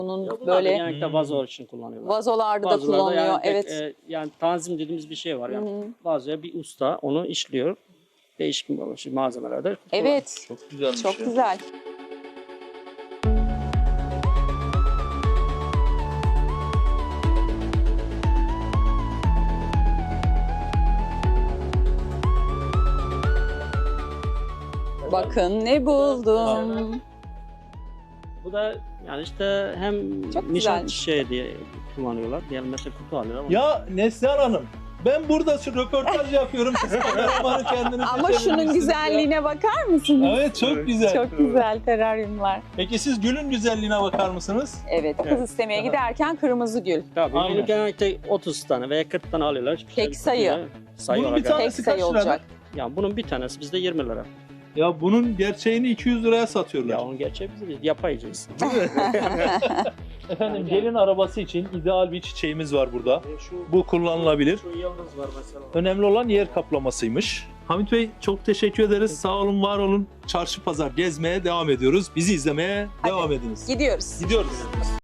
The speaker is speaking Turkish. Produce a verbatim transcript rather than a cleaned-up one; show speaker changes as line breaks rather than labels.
Bunun
Bunlar da
böyle
genellikle vazo için kullanıyorlar.
vazolarda da
Vazolarda
kullanılıyor.
yani tek,
Evet.
e, yani tanzim dediğimiz bir şey var. Yani
Hı hı.
vazoya bir usta onu işliyor. Değişik malzemelerde.
Evet.
Çok güzelmiş
Çok
ya.
güzel. Bakın ne buldum.
Bu da yani işte hem
Çok
nişan
güzelmiş.
çiçeği diye kullanıyorlar. Diyelim mesela kutu alıyorlar.
Ya Neslihan Hanım, ben burada şu röportaj yapıyorum. Siz kameramanı kendiniz
Ama şunun
çevirmişsiniz ya.
güzelliğine bakar mısınız?
Evet, çok
Evet.
güzel.
Çok güzel teraryumlar.
Peki siz gülün güzelliğine bakar mısınız?
Evet, kız
Evet.
istemeye giderken kırmızı gül.
Tabii
Aynen.
bunu genellikle otuz tane veya kırk tane alıyorlar. Hiçbir
Tek
şey
sayı.
kutuyla sayı
Bunun
olarak.
bir tane-
Tek
Tanesi
sayı
kaç lira?
olacak.
Yani bunun bir tanesi bizde yirmi lira.
Ya bunun gerçeğini iki yüz liraya satıyorlar.
Ya onun gerçeği bizde değil. Yapayacağız.
Efendim, gelin arabası için ideal bir çiçeğimiz var burada.
Şu,
Bu kullanılabilir.
şu yıldız var mesela.
Önemli olan yer kaplamasıymış. Hamit Bey, çok teşekkür ederiz. Sağ olun, var olun. Çarşı pazar gezmeye devam ediyoruz. Bizi izlemeye
Hadi.
devam ediniz.
Gidiyoruz.
Gidiyoruz.